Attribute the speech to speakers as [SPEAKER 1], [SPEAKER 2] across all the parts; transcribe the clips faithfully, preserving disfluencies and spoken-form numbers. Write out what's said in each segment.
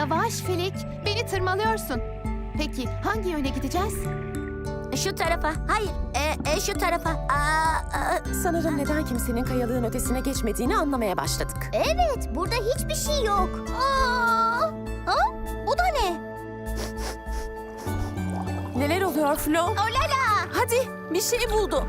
[SPEAKER 1] Yavaş Filik, beni tırmalıyorsun. Peki hangi yöne gideceğiz?
[SPEAKER 2] Şu tarafa. Hayır, e, e, şu tarafa. Aa, aa.
[SPEAKER 3] Sanırım neden kimsenin kayalığın ötesine geçmediğini anlamaya başladık.
[SPEAKER 2] Evet, burada hiçbir şey yok. Aa, ha? Bu da ne?
[SPEAKER 3] Neler oluyor Flo?
[SPEAKER 2] Olala!
[SPEAKER 3] Hadi bir şey buldu.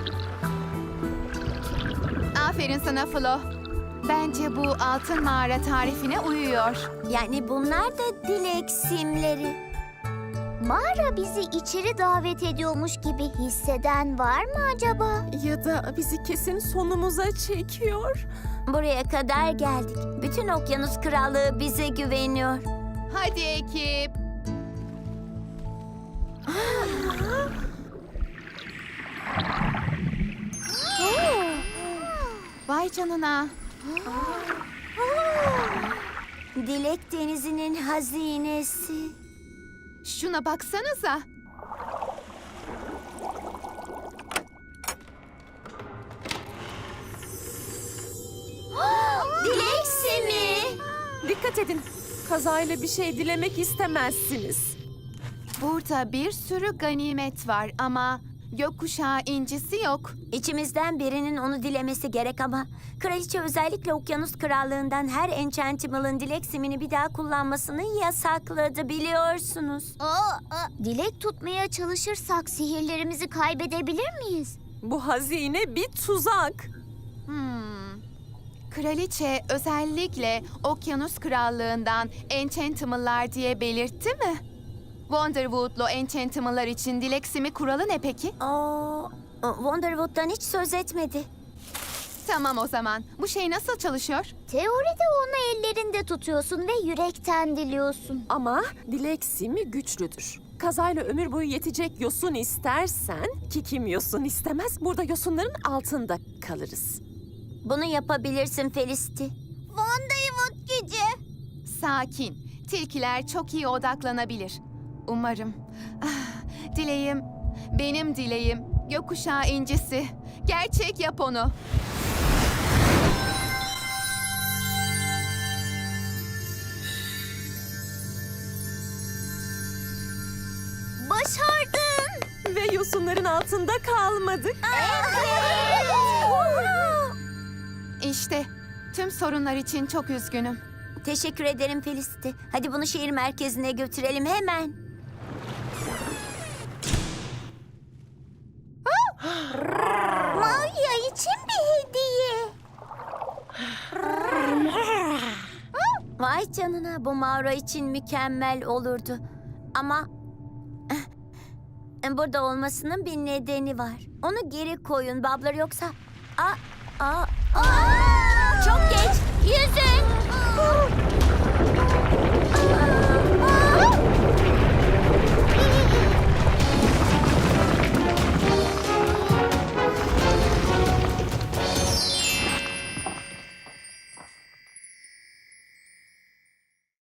[SPEAKER 1] Aferin sana Flo. Bence bu altın mağara tarifine uyuyor.
[SPEAKER 2] Yani bunlar da dilek simleri. Mağara bizi içeri davet ediyormuş gibi hisseden var mı acaba?
[SPEAKER 3] Ya da bizi kesin sonumuza çekiyor.
[SPEAKER 2] Buraya kadar geldik. Bütün Okyanus Krallığı bize güveniyor.
[SPEAKER 1] Hadi ekip. Vay canına.
[SPEAKER 2] Dilek Denizi'nin hazinesi.
[SPEAKER 1] Şuna baksanıza.
[SPEAKER 2] Dilek simi.
[SPEAKER 3] Dikkat edin. Kazayla bir şey dilemek istemezsiniz.
[SPEAKER 1] Burada bir sürü ganimet var ama gökkuşağı incisi yok.
[SPEAKER 2] İçimizden birinin onu dilemesi gerek ama kraliçe özellikle Okyanus Krallığı'ndan her Enchantimal'ın dilek simini bir daha kullanmasını yasakladı biliyorsunuz. Dilek tutmaya çalışırsak sihirlerimizi kaybedebilir miyiz?
[SPEAKER 3] Bu hazine bir tuzak.
[SPEAKER 1] Hmm. Kraliçe özellikle Okyanus Krallığı'ndan Enchantimal'lar diye belirtti mi? Wonderwood'lu Enchantimal'lar için dilek simi kuralı ne peki?
[SPEAKER 2] Aa, Wonderwood'dan hiç söz etmedi.
[SPEAKER 1] Tamam o zaman. Bu şey nasıl çalışıyor?
[SPEAKER 2] Teoride onu ellerinde tutuyorsun ve yürekten diliyorsun.
[SPEAKER 3] Ama dilek simi güçlüdür. Kazayla ömür boyu yetecek yosun istersen, ki kim yosun istemez, burada yosunların altında kalırız.
[SPEAKER 2] Bunu yapabilirsin Felicity. Wonderwood gücü.
[SPEAKER 1] Sakin. Tilkiler çok iyi odaklanabilir. Umarım. Ah, dileğim, benim dileğim. Gökkuşağı incisi. Gerçek yap onu.
[SPEAKER 2] Başardın.
[SPEAKER 3] Ve yosunların altında kalmadık.
[SPEAKER 1] İşte tüm sorunlar için çok üzgünüm.
[SPEAKER 2] Teşekkür ederim Felicity. Hadi bunu şehir merkezine götürelim hemen. Maya için bir hediye. Vay canına, bu mağara için mükemmel olurdu. Ama burada olmasının bir nedeni var. Onu geri koyun Bablar, yoksa... Aa, aa, aa! Çok geç. Yüzün.